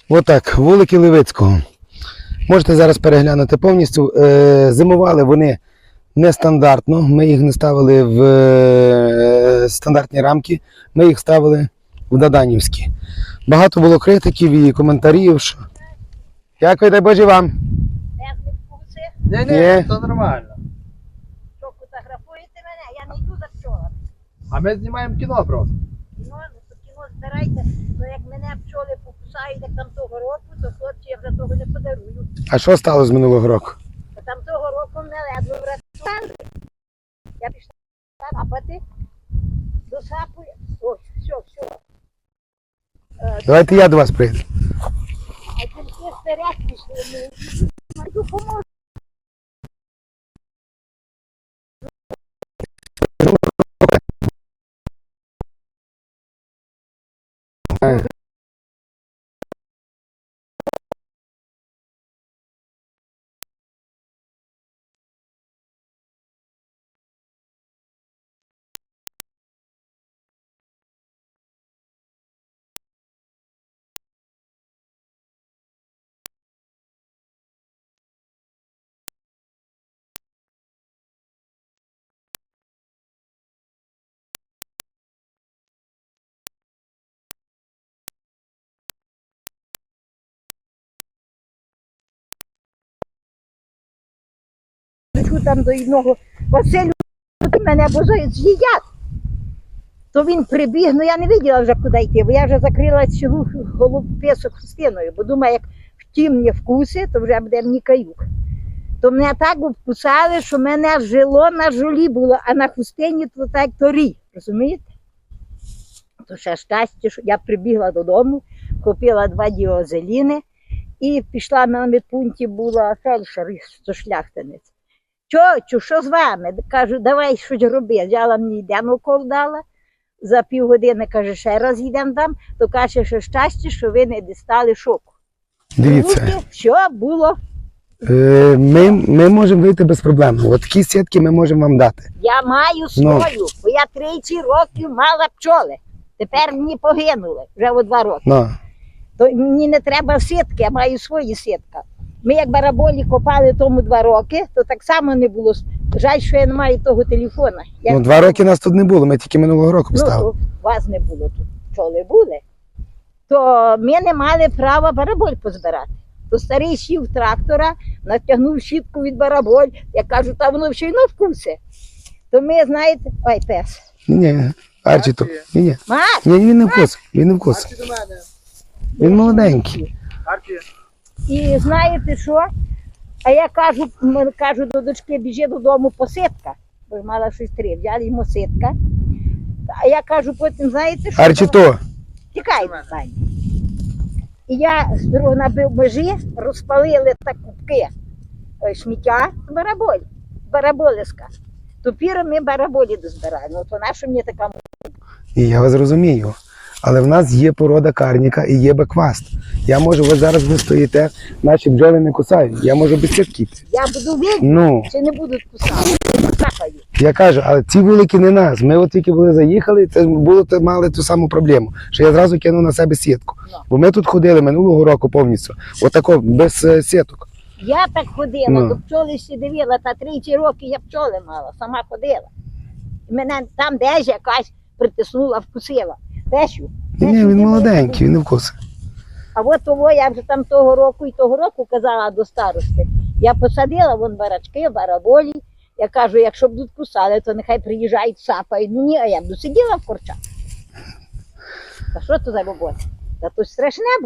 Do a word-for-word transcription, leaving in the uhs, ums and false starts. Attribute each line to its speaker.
Speaker 1: Отак, вулики Левицького. Можете зараз переглянути повністю. Е, зимували вони нестандартно. Ми їх не ставили в е, стандартні рамки, ми їх ставили в даданівські. Багато було критиків і коментарів. Що... Дякую, дай Боже вам.
Speaker 2: Ні, ні,
Speaker 1: Є.
Speaker 2: це нормально.
Speaker 3: Що, фотографуєте мене? Я не йду за пчолами.
Speaker 2: А ми знімаємо кіно просто.
Speaker 3: Кіно, ну то кіно збирайте. Ну як мене пчоли покусають, як там того року, то хлопці я вже того не подарую.
Speaker 1: А що стало з минулого року?
Speaker 3: А там того року мене ледве врятували. Я пішла сапати, досапую. Ось, все, все. Е,
Speaker 1: Давайте я до вас прийду.
Speaker 3: А тільки вперед пішли. Ну, йду поможу. Лечу там до одного Василю, мене бо з'їдять. То він прибіг, ну я не виділа вже куди йти, бо я вже закрила цілу голуб-песок хустиною, бо думаю, як втім не вкуси, то вже буде мені каюк. То мене так обкусали, що мене жило на жолі було, а на хустині то так то рій, розумієте? То ще щастя, що я прибігла додому, купила два діозеліни і пішла на медпункті, була фельдшер, то шляхтинець. Чочу, що з вами? Кажу, давай щось роби. Взяла мені йдемо укол дала. За півгодини, каже, ще раз йдемо там, то каже, що щастя, що ви не дістали шоку.
Speaker 1: Дивіться.
Speaker 3: Руки, що було?
Speaker 1: Е, ми, ми можемо вийти без проблем. От такі сітки ми можемо вам дати.
Speaker 3: Я маю свою, бо я тридцять років мала пчоли. Тепер мені погинули, вже о два роки.
Speaker 1: Ну.
Speaker 3: То мені не треба сітки, я маю свої сітки. Ми як бараболі копали тому два роки, то так само не було. Жаль, що я не маю того телефона. Я...
Speaker 1: Ну, два роки нас тут не було, ми тільки минулого року
Speaker 3: Ну,
Speaker 1: поставили.
Speaker 3: то вас не було тут, пчоли були. То ми не мали права бараболь позбирати. То старий сів трактора, натягнув щітку від бараболь. Я кажу, та воно ще й на вкуси. То ми, знаєте, ой, пес.
Speaker 1: Ні, Арчі то. Ні, ні.
Speaker 3: Маш,
Speaker 1: Ні, він не вкус, він не вкус.
Speaker 2: Арчі до мене.
Speaker 1: Він молоденький.
Speaker 2: Арчі.
Speaker 3: і знаєте що? А я кажу, м, кажу до дочки, біжи додому посипка. Бо мала щось три, взяли йому ситка. А я кажу, потім, знаєте що?
Speaker 1: Арчі то.
Speaker 3: Тікай, Саня. І я з дороги набив межі, розпалили так кубки е, сміття, бараболь, бараболиська. Тепер ми бараболі дозбираємо. То наша мені така.
Speaker 1: І я вас розумію. Але в нас є порода карніка і є бекваст. Я можу, ви зараз ви стоїте, наші бджоли не кусають. Я можу без сітки йти.
Speaker 3: Я буду вільна,
Speaker 1: Ну,
Speaker 3: чи не будуть кусати, капають.
Speaker 1: я кажу, але ці вулики не нас. Ми от тільки були заїхали, це було, то мали ту саму проблему, що я зразу кинув на себе сітку.
Speaker 3: Ну.
Speaker 1: Бо ми тут ходили минулого року повністю, отако, без е, сіток.
Speaker 3: Я так ходила,
Speaker 1: Ну.
Speaker 3: до пчоли всі дивила, та тридцять років я пчоли мала, сама ходила. І мене там десь якась притиснула, вкусила. Тещу.
Speaker 1: Ні,
Speaker 3: тещу,
Speaker 1: він
Speaker 3: ти
Speaker 1: молоденький,
Speaker 3: моя-
Speaker 1: він не вкусить.
Speaker 3: А от того я вже там того року і того року казала до старости. Я посадила вон барачки, бараболі. Я кажу, якщо будуть кусали, то нехай приїжджають, сапають. Ну ні, а я буду сиділа в корчах. Та що то за робота? Та то страшне було.